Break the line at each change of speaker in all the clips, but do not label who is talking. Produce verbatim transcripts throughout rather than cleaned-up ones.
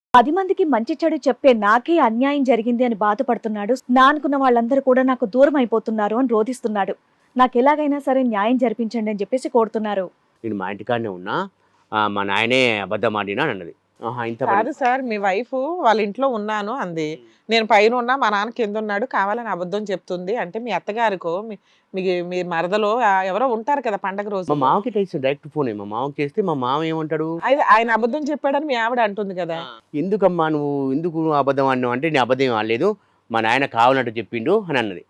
పది మందికి మంచి చెడు చెప్పే నాకే అన్యాయం జరిగింది అని బాధపడుతున్నాడు. నా అనుకున్న వాళ్ళందరూ కూడా నాకు దూరం అయిపోతున్నారు అని రోధిస్తున్నాడు. నాకు ఎలాగైనా సరే న్యాయం జరిపించండి అని చెప్పేసి కోరుతున్నారు.
నేను మా ఇంటికాడనే ఉన్నా, ఆ, మా నాయనే అబద్ధం ఆడినా అని అన్నది. ఆహా, ఇంత పని.
కాదు సార్, మీ వైఫ్ వాళ్ళ ఇంట్లో ఉన్నాను అంది. నేను పైన ఉన్నా, మా నాన్న కింద ఉన్నాడు, కావాలని అబద్ధం చెప్తుంది అంటే మీ అత్తగారికో మీ మీ- మీ మరదలో ఆ, ఎవరో ఉంటారు కదా పండగ
మా
రోజు.
మామకి తెలిసి డైరెక్ట్ ఫోన్ మా మామకి చేస్తే మా మామ ఏమంటాడు,
ఆయన ఆయన అబద్ధం చెప్పాడని మీ ఆవిడ అంటుంది కదా.
ఎందుకమ్మా నువ్వు ఎందుకు నువ్వు అబద్ధం ఆడినావు అంటే నేను అబద్ధం ఆడలేదు, మా నాయన కావాలంటే చెప్పిండు అని అన్నది.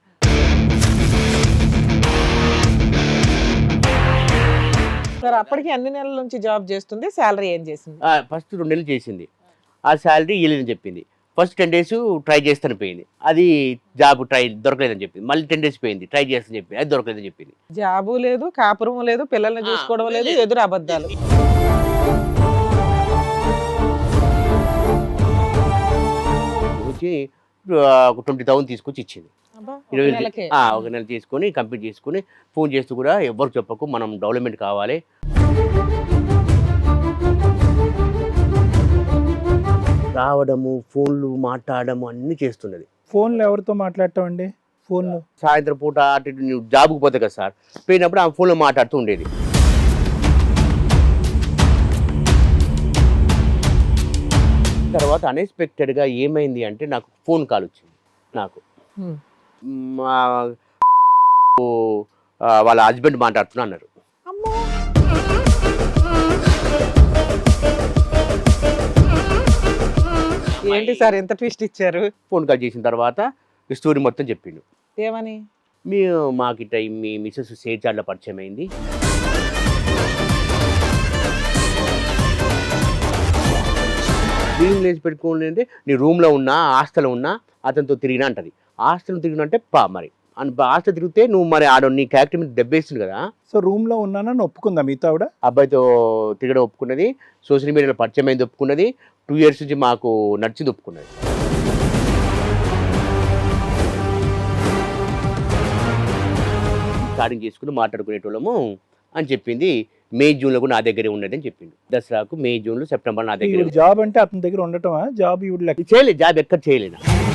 సార్ అప్పటికి ఎన్ని నెలల నుంచి జాబ్ చేస్తుంది, శాలరీ ఏం చేసింది?
ఫస్ట్ రెండు నెలలు చేసింది, ఆ శాలరీ ఇవ్వలేదని చెప్పింది. ఫస్ట్ టెన్ డేస్ ట్రై చేస్తాను పోయింది, అది జాబ్ ట్రై దొరకలేదని చెప్పింది. మళ్ళీ టెన్ డేస్ పోయింది, ట్రై చేస్తాను చెప్పింది, అది దొరకలేదని చెప్పింది.
జాబు లేదు, కాపురం లేదు, పిల్లల్ని చూసుకోవడం లేదు, ఎదురు అబద్ధాలు.
వచ్చి ఒక ట్వంటీ థౌసండ్ తీసుకొచ్చి ఇచ్చింది.
అబ్బా, ఒక
ఇరవై
నెలకే.
ఆ, ఒక నెల తీసుకొని కంప్లీట్ చేసుకొని ఫోన్ చేస్తూ కూడా ఎవరికి చెప్పకు, మనం డెవలప్మెంట్ కావాలి. రావడము, ఫోన్లు మాట్లాడము అన్నీ చేస్తున్నది.
ఫోన్లో ఎవరితో మాట్లాడటం అండి? ఫోన్లో
సాయంత్రం పూట అటు ఇటు నువ్వు జాబ్కి పోతే కదా సార్, పోయినప్పుడు ఆ ఫోన్లో మాట్లాడుతూ ఉండేది. తర్వాత అన్ఎక్స్పెక్టెడ్గా ఏమైంది అంటే నాకు ఫోన్ కాల్ వచ్చింది. నాకు
హ్మ్.
మా ఆ, వాళ్ళ హస్బెండ్ మాట్లాడుతున్నా అన్నారు.
అమ్మో. ఏంటి సార్ ఎంత ట్విస్ట్ ఇచ్చారు?
ఫోన్ కాల్ చేసిన తర్వాత ఈ స్టోరీ మొత్తం చెప్పిండు.
ఏమని?
మీ మాకు ఇట్లా మీ మిస్సెస్ సేచార్లో పరిచయం అయింది, రూమ్ లేచి పెట్టుకోండి, నీ రూమ్లో ఉన్నా హాస్టల్లో ఉన్నా అతనితో తిరిగినా అంటది. హాస్టల్ తిరిగినా అంటే పా మరి అని హాస్టల్ తిరిగితే నువ్వు మరి ఆడ నీ క్యారెక్టర్ మీద దెబ్బేస్తుంది కదా.
సో రూమ్లో ఉన్నానని ఒప్పుకుందా మీతో ఆవిడ?
అబ్బాయితో తిరగడం ఒప్పుకున్నది, సోషల్ మీడియాలో పరిచయం అయింది ఒప్పుకున్నది, టూ ఇయర్స్ నుంచి మాకు నచ్చింది ఒప్పుకున్నది. స్టార్టింగ్ చేసుకుని మాట్లాడుకునేటోళ్ళము అని చెప్పింది. మే జూన్లో కూడా నా దగ్గరే ఉన్నది అని చెప్పింది. దసరాకు మే జూన్లో సెప్టెంబర్ నా దగ్గర
ఈవిడ జాబ్ అంటే అతని దగ్గర ఉండటమా? జాబ్ ఈవిడ లెక్క
చేయలేదు, జాబ్ ఎక్కడ చేయలేను.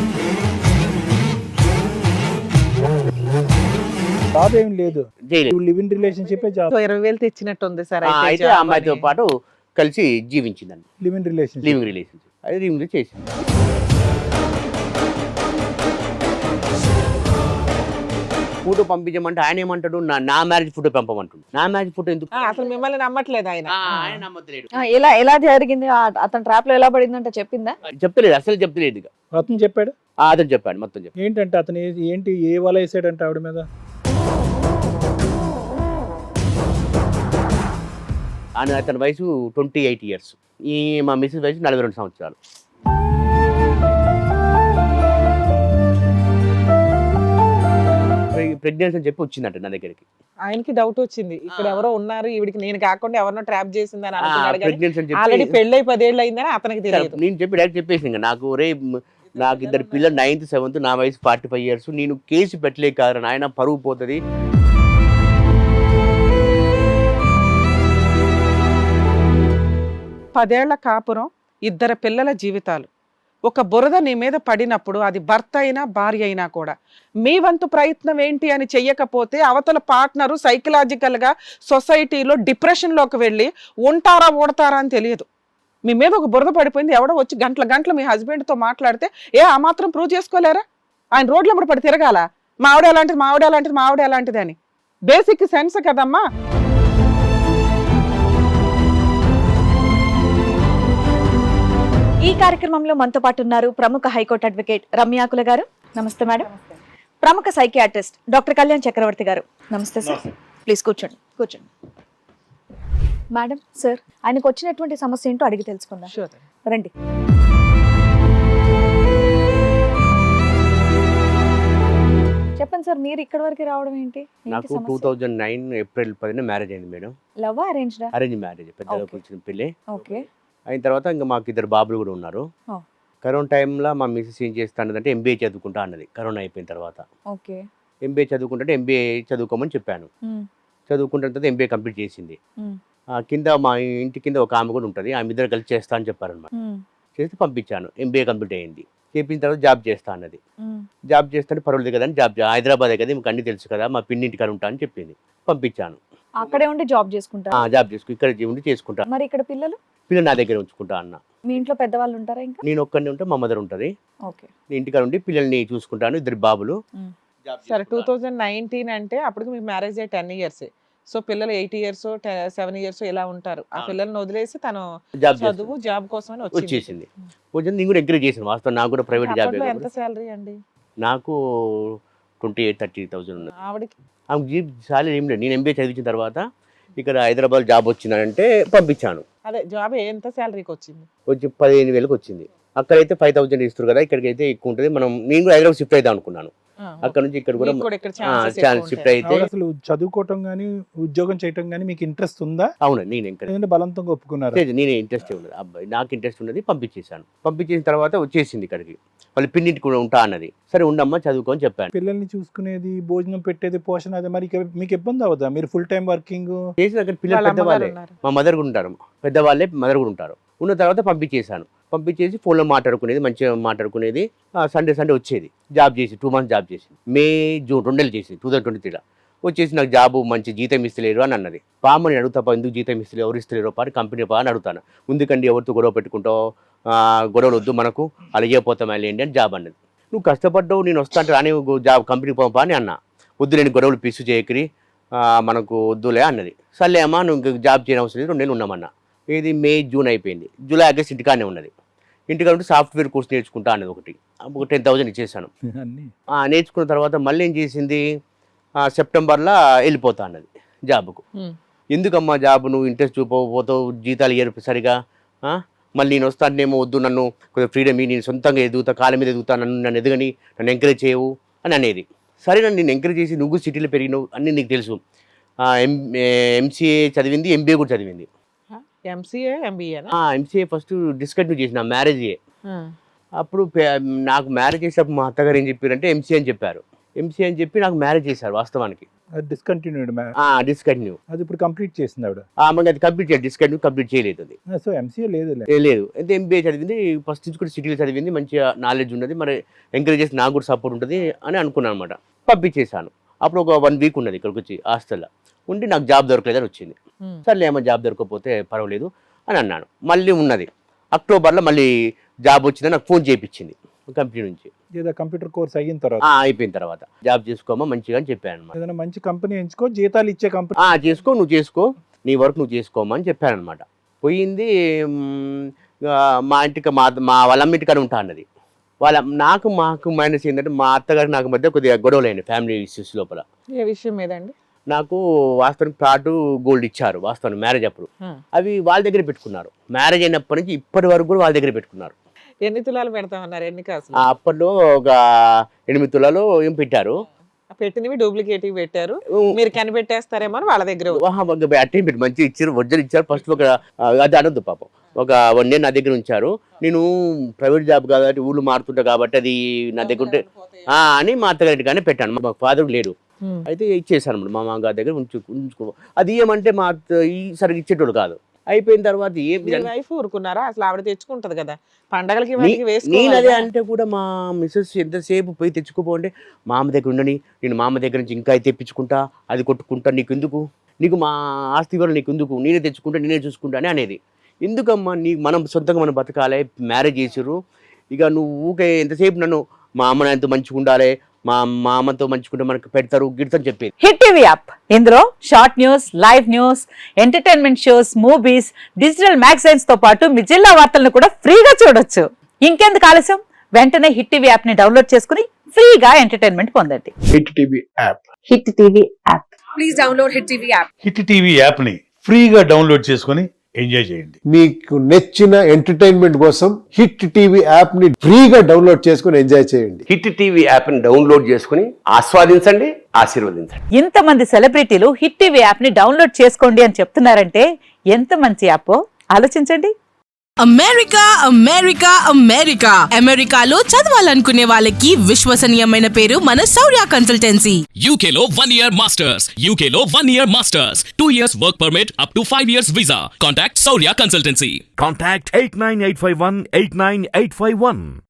జాబ్ ఏం లేదు,
చేయలేదు.
Live in relationship job.
So ఇరవై వేలు తెచ్చినట్టు ఉంది సార్.
ఆ,
అయితే
అయితే ఆ
జాబ్
అమ్మాయితో
అని.
పాటు కలిసి జీవించిందండి,
live in relationship.
Living relationship. అది లివింగ్ చేసింది. ఫోటో పంపించమంటే ఆయన ఏమంటాడు, నా నా మ్యారేజ్ ఫోటో పంపమంటాడు. నా మ్యారేజ్ ఫోటో ఎందుకు?
ఆ, అసలు మిమ్మల్ని నమ్మట్లేదు ఆయన.
ఆ, ఆయన నమ్మట్లేడు.
ఆ, ఎలా ఎలా జరిగింది? ఆ, అతని ట్రాప్ లో ఎలా పడిందంటే చెప్పిందా?
చెప్తలేదు, అసలు చెప్తలేదు. ఇక
అతను చెప్పాడు.
ఆ, అతను చెప్పాడు, మొత్తం చెప్పాడు.
ఏంటంటే అతను ఏ- ఏంటి ఏ వల వేసాడంటే ఆవిడ మీద?
ఆయన అతని వయసు ట్వంటీ ఎయిట్ ఇయర్స్, ఈ మా మిస్సెస్ వయసు నలభై రెండు సంవత్సరాలు. ప్రెగ్నెన్సీ అని చెప్పి వచ్చిందంట నా దగ్గరికి.
ఆయనకి డౌట్ వచ్చింది, ఇక్కడ ఎవరో ఉన్నారు, ఈవిడికి నేను కాకుండా ఎవరినో ట్రాప్ చేసిందని అనుకున్నాడు. కానీ
ప్రెగ్నెన్సీ అని
ఆల్రెడీ
చెప్పి
పెళ్ళై పదేళ్ళు అయిందని అతనికి తెలియదు.
నేను చెప్పి డైరెక్ట్ చెప్పేసి ఇంకా నాకు రే నాకు ఇద్దరు పిల్లలు, నైన్త్ సెవెంత్, నా వయసు ఫార్టీ ఫైవ్ ఇయర్స్, నేను కేసు పెట్టలేక కాదు నాయన, పరువు పోతుంది.
పదేళ్ల కాపురం, ఇద్దరు పిల్లల జీవితాలు, ఒక బురద నీ మీద పడినప్పుడు అది భర్త అయినా భార్య అయినా కూడా మీ వంతు ప్రయత్నం ఏంటి అని చెయ్యకపోతే అవతల పార్ట్నరు సైకలాజికల్గా సొసైటీలో డిప్రెషన్లోకి వెళ్ళి ఉంటారా ఓడతారా అని తెలియదు. మీ మీద ఒక బురద పడిపోయింది, ఎవడో వచ్చి గంటల గంటలు మీ హస్బెండ్తో మాట్లాడితే ఏ ఆ మాత్రం ప్రూవ్ చేసుకోలేరా? ఆయన రోడ్ల మీద పడి తిరగాల, మా ఆవిడ ఎలాంటిది, మా ఆవిడ ఎలాంటిది, మా ఆవిడ ఎలాంటిది అని. బేసిక్ సెన్స్ కదమ్మా.
ఈ కార్యక్రమంలో మనతో పాటు ఉన్నారు ప్రముఖ హైకోర్టు అడ్వకేట్ రమ్యాకుల గారు. నమస్తే మేడం. ప్రముఖ సైకియాట్రిస్ట్ డాక్టర్ కళ్యాణ్ చక్రవర్తి గారు. నమస్తే సార్. ప్లీజ్ కూర్చోండి కూర్చోండి మేడం. సార్, ఆయనకు వచ్చినటువంటి సమస్య ఏంటో అడిగి తెలుసుకుందాం. రండి. చెప్పండి సార్, మీరు ఇక్కడ వరకు రావడం ఏంటి?
నాకు టూ థౌజండ్ నైన్ ఏప్రిల్ పదిన మ్యారేజ్ అయింది మేడం.
లవ్ అరేంజ్డా?
అరేంజ్ మ్యారేజ్, పెద్దగా
Okay.
కూర్చున్న పెళ్ళి.
ఓకే.
అయిన తర్వాత ఇంకా మాకు ఇద్దరు బాబులు కూడా ఉన్నారు.
Oh.
కరోనా టైంలో మా మిస్సెస్ ఏం చేస్తా అన్నదంటే ఎంబీఏ చదువుకుంటా అన్నది. కరోనా అయిపోయిన తర్వాత
ఓకే.
ఎంబీఏ చదువుకుంటే ఎంబీఏ చదువుకోమని చెప్పాను. చదువుకుంటున్న తర్వాత ఎంబీఏ కంప్లీట్ చేసింది.
మ్మ్.
ఆ, కింద మా ఇంటి కింద ఒక ఆమె కూడా ఉంటుంది, ఆమె ఇద్దరు కలిసి చేస్తా అని చెప్పారనమాట. చేసి పంపించాను. ఎంబీఏ కంప్లీట్ అయింది. చేపించిన తర్వాత జాబ్ చేస్తా అన్నది. జాబ్ చేస్తాను పర్వాలేదు కదా అని జాబ్ హైదరాబాదే కదా మీకు అన్ని తెలుసు కదా మా పిన్నింటి కాడ ఉంటా అని చెప్పింది. పంపించాను.
అక్కడే ఉండి జాబ్ చేసుకుంటారు.
జాబ్ చేసుకు ఇక్కడ ఉండి చేసుకుంటా.
మరి ఇక్కడ పిల్లలు
పిల్లలు నా దగ్గర ఉంచుకుంటా అన్న.
మీ ఇంట్లో పెద్దవాళ్ళు ఉంటారా ఇంకా?
నేను ఒక్కడిని ఉంటే మా మదర్ ఉంటుంది.
ఓకే.
నేను ఇంటికాడ ఉండి పిల్లల్ని చూసుకుంటాను. ఇద్దరు బాబులు.
సరే టూ థౌజండ్ నైన్టీన్ అంటే అప్పటికి మీ మ్యారేజ్ అయ్యి టెన్ ఇయర్స్ సో పిల్లలు ఎయిట్ ఇయర్స్ సెవెన్ ఇయర్స్ ఇలా ఉంటారు. ఆ పిల్లల్ని వదిలేసి తను
జాబ్
చదువు జాబ్ కోసం
వచ్చేసింది. వచ్చి నేను కూడా ఎంకరేజ్ చేశాను. వాస్తవం నాకు కూడా ప్రైవేట్ జాబ్.
ఎంత శాలరీ అండి?
నాకు ట్వంటీ ఎయిట్ థర్టీ థౌసండ్ ఉన్నది.
ఆవిడకి
ఆమె జీప్ శాలరీ ఏం లేదు. నేను ఎంబీఏ చదివించిన తర్వాత ఇక్కడ హైదరాబాద్ జాబ్ వచ్చిందంటే పంపించాను.
అదే జాబ్ ఎంత శాలరీకి వచ్చింది?
వచ్చి పదిహేను వేలకు వచ్చింది. అక్కడైతే ఫైవ్ థౌసండ్ ఇస్తారు కదా, ఇక్కడికి అయితే ఎక్కువ ఉంటుంది. మనం నేను కూడా హైదరాబాద్ షిఫ్ట్ అవుదాం అనుకున్నాను. అక్కడ నుంచి ఇక్కడ కూడా ఛాన్స్ షిఫ్ట్ అయితే
అసలు చదువుకోవటం గానీ ఉద్యోగం చేయటం గానీ మీకు ఇంట్రెస్ట్ ఉందా?
అవును, నేను ఎంకరేజ్
బలంతంగా ఒప్పుకున్నారు.
నేనే ఇంట్రెస్ట్ ఉన్నది. అబ్బాయి నాకు ఇంట్రెస్ట్ ఉన్నది. పంపించేశాను. పంపించేసిన తర్వాత వచ్చేసింది ఇక్కడికి. వాళ్ళ పిన్నింటి కూడా ఉంటా అన్నది. సరే ఉండమ్మా చదువుకొని చెప్పాను.
పిల్లల్ని చూసుకునేది, భోజనం పెట్టేది, పోషణ అది మరి ఇక మీకు ఇబ్బంది అవుదా? మీరు ఫుల్ టైం వర్కింగ్
చేసిన అక్కడ పిల్లలు పెద్దవాళ్ళే. మా మదర్ కూడా ఉంటారు. పెద్దవాళ్ళే మదర్ కూడా ఉంటారు. ఉన్న తర్వాత పంపించేశాను. పంపించేసి ఫోన్లో మాట్లాడుకునేది, మంచిగా మాట్లాడుకునేది. సండే సండే వచ్చేది. జాబ్ చేసి టూ మంత్స్ జాబ్ చేసింది. మే జూన్ రెండు నెలలు చేసింది. టూ థౌసండ్ ట్వంటీ త్రీలో వచ్చేసి నాకు జాబు మంచి జీతం ఇస్తలేరు అని అన్నది. పామని అడుగుతా, ఎందుకు జీతం ఇస్తలేరు, ఎవరు ఇస్తలేరు పా కంపెనీ పా అని అడుగుతాను. ముందుకండి ఎవరితో గొడవ పెట్టుకుంటావు, గొడవలు వద్దు మనకు, అలా అయిపోతాం వెళ్ళండి అని జాబ్ అన్నది. నువ్వు కష్టపడ్డావు, నేను వస్తా అంటే రాని జాబ్ కంపెనీ పోపా అని అన్నా. వద్దు నేను గొడవలు పిసు చేయకరి, మనకు వద్దులే అన్నది. సర్లే అమ్మా నువ్వు జాబ్ చేయని అవసరం లేదు, రెండు నెలలు ఉన్నామన్నా. ఇది మే జూన్ అయిపోయింది. జూలై ఆగస్ట్ ఇంటికానే ఉన్నది. ఇంటికాడ ఉంటే సాఫ్ట్వేర్ కోర్స్ నేర్చుకుంటా అన్నది. ఒకటి ఒక టెన్ థౌసండ్ ఇచ్చేసాను. నేర్చుకున్న తర్వాత మళ్ళీ ఏం చేసింది, సెప్టెంబర్లో వెళ్ళిపోతా అన్నది జాబ్కు. ఎందుకమ్మా జాబ్ నువ్వు ఇంట్రెస్ట్ చూపకపోతావు, జీతాలు ఇయ్యరు సరిగా, మళ్ళీ నేను వస్తానేమో, వద్దు నన్ను కొంచెం ఫ్రీడమ్ నేను సొంతంగా ఎదుగుతా, కాళ్ళ మీద ఎదుగుతా, నన్ను నన్ను ఎదగని నన్ను ఎంకరేజ్ చేయవు అని అనేది. సరే నన్ను నేను ఎంకరేజ్ చేసి నువ్వు సిటీలో పెరిగినావు అన్నీ నీకు తెలుసు. ఎం ఎంసీఏ చదివింది, ఎంబీఏ కూడా చదివింది.
MCA MBA
MCA first discontinue చేసిన మ్యారేజ్. అప్పుడు నాకు మ్యారేజ్ చేసేటప్పుడు మా అత్తగారు ఏం చెప్పారంటే ఎంసీఏ అని చెప్పారు. ఎంసీఏ అని చెప్పి నాకు మ్యారేజ్ చేశారు. వాస్తవానికి
డిస్కంటిన్యూడ్
డిస్కంటిన్యూ
అది ఇప్పుడు కంప్లీట్ చేసింది ఆవిడ.
మనకి అది కంప్లీట్ చేయాలి, డిస్కంటిన్యూ కంప్లీట్ చేయలేదు. అది
సో ఎంసీఏ లేదు
లేదు అయితే ఎంబీఏ చదివింది. ఫస్ట్ నుంచి కూడా సిటీలో చదివింది, మంచిగా నాలెడ్జ్ ఉన్నది. మరి ఎంకరేజ్ చేసి నాకు కూడా సపోర్ట్ ఉంటుంది అని అనుకున్నాను అనమాట. పంపించేశాను. అప్పుడు ఒక వన్ వీక్ ఉన్నది ఇక్కడికి వచ్చి హాస్టల్లో ఉండి. నాకు జాబ్ దొరకలేదని వచ్చింది. సర్లే ఏమో జాబ్ దొరకకపోతే పర్వాలేదు అని అన్నాను. మళ్ళీ ఉన్నది అక్టోబర్లో మళ్ళీ జాబ్ వచ్చిందని నాకు ఫోన్ చేయించింది కంపెనీ నుంచి.
ఏదో కంప్యూటర్ కోర్స్ అయిన తర్వాత
అయిపోయిన తర్వాత జాబ్ చేసుకోమా మంచిగా అని చెప్పాను అనమాట.
ఏదైనా మంచి కంపెనీ ఎంచుకో, జీతాలు ఇచ్చే కంపెనీ
చేసుకో, నువ్వు చేసుకో, నీ వర్క్ నువ్వు చేసుకోమా అని చెప్పాను అనమాట. పోయింది. మా ఇంటికి మా మా వాళ్ళమ్మ ఇంటికాడ ఉంటా అన్నది. వాళ్ళ నాకు మాకు మైనస్ ఏంటంటే మా అత్తగారు నాకు మధ్య కొద్దిగా గొడవలు అయినాయి ఫ్యామిలీ ఇష్యూస్ లోపల.
ఏ విషయం మీదండి?
నాకు వాస్తవానికి ప్లాట్ గోల్డ్ ఇచ్చారు వాస్తవానికి మ్యారేజ్ అప్పుడు. అవి వాళ్ళ దగ్గర పెట్టుకున్నారు. మ్యారేజ్ అయినప్పటి నుంచి ఇప్పటి వరకు కూడా వాళ్ళ దగ్గర పెట్టుకున్నారు.
ఎన్ని తులాలు పెడతామన్నారు? ఎన్ని కాసు?
అప్పట్లో ఒక ఎనిమిది తులాలు ఏం పెట్టారు.
పెట్టినవి డూప్లికేటివ్ పెట్టారు. మీరు కనిపెట్టేస్తారేమో వాళ్ళ దగ్గర
అట్టే పెట్టి మంచిగా ఇచ్చారు, ఒరిజినల్ ఇచ్చారు. ఫస్ట్ ఒక అది అనొద్దు పాపం, ఒక వన్ ఇయర్ నా దగ్గర ఉంచారు. నేను ప్రైవేట్ జాబ్ కాబట్టి ఊళ్ళు మారుతుంటా కాబట్టి అది నా దగ్గర ఉంటే అని మా అత్తగారి కానీ పెట్టాను. మా ఫాదర్ లేడు అయితే ఇచ్చేసాను మా మామగారి దగ్గర ఉంచు ఉంచుకో. అది ఏమంటే మా ఈ సరిగ్గా ఇచ్చేటోడు కాదు. అయిపోయిన తర్వాత ఏం
వైఫ్ ఊరుకున్నారా? అసలు ఆవిడ తెచ్చుకుంటది కదా పండగలకి.
నేను అదే అంటే కూడా మా మిస్సెస్ ఎంతసేపు పోయి తెచ్చుకోపోంటే మామ దగ్గర ఉండని, నేను మామ దగ్గర నుంచి ఇంకా తెప్పించుకుంటా, అది కొట్టుకుంటా, నీకు ఎందుకు, నీకు మా ఆస్తి వల్ల నీకు ఎందుకు, నేనే తెచ్చుకుంటా నేనే చూసుకుంటా అని అనేది. ఎందుకమ్మా నీ మనం సొంతంగా మనం బతకాలి, మ్యారేజ్ చేసిర్రు, ఇక నువ్వు ఊకే ఎంతసేపు నన్ను మా అమ్మ ఎంతో మంచిగా ఉండాలి, మా మా అమ్మతో మంచుకుంటే మనకు పెడతారు గిడతని చెప్పేది.
హిట్ టీవీ యాప్ ఇందులో short news, live news, entertainment shows, movies, digital magazines తో పాటు మీ జిల్లా వార్తలను కూడా ఫ్రీగా చూడొచ్చు. ఇంకెందుకు ఆలస్యం, వెంటనే హిట్ టీవీ యాప్ ని డౌన్లోడ్ చేసుకుని ఫ్రీగా ఎంటర్టైన్మెంట్ పొందండి.
Hit TV app
hit TV app
please download hit TV app.
Hit TV app ని ఫ్రీగా డౌన్లోడ్ చేసుకుని ఎంజాయ్ చేయండి.
మీకు నచ్చిన ఎంటర్టైన్మెంట్ కోసం హిట్ టీవీ యాప్ ని ఫ్రీగా డౌన్లోడ్ చేసుకుని ఎంజాయ్ చేయండి.
హిట్ టీవీ యాప్ ని డౌన్లోడ్ చేసుకుని ఆస్వాదించండి, ఆశీర్వదించండి.
ఇంతమంది సెలబ్రిటీలు హిట్ టీవీ యాప్ ని డౌన్లోడ్ చేసుకోండి అని చెప్తున్నారంటే ఎంత మంచి యాప్ ఆలోచించండి.
అమెరికా అమెరికా అమెరికా అమెరికాలో చదవాలనుకునే వాళ్ళకి విశ్వసనీయమైన పేరు మన శౌర్య కన్సల్టెన్సీ.
యూకేలో వన్ ఇయర్ మాస్టర్స్ యూకేలో one year masters two years work permit up to five years visa. Contact Shourya consultancy.
Contact eight nine eight five one eight nine eight five one.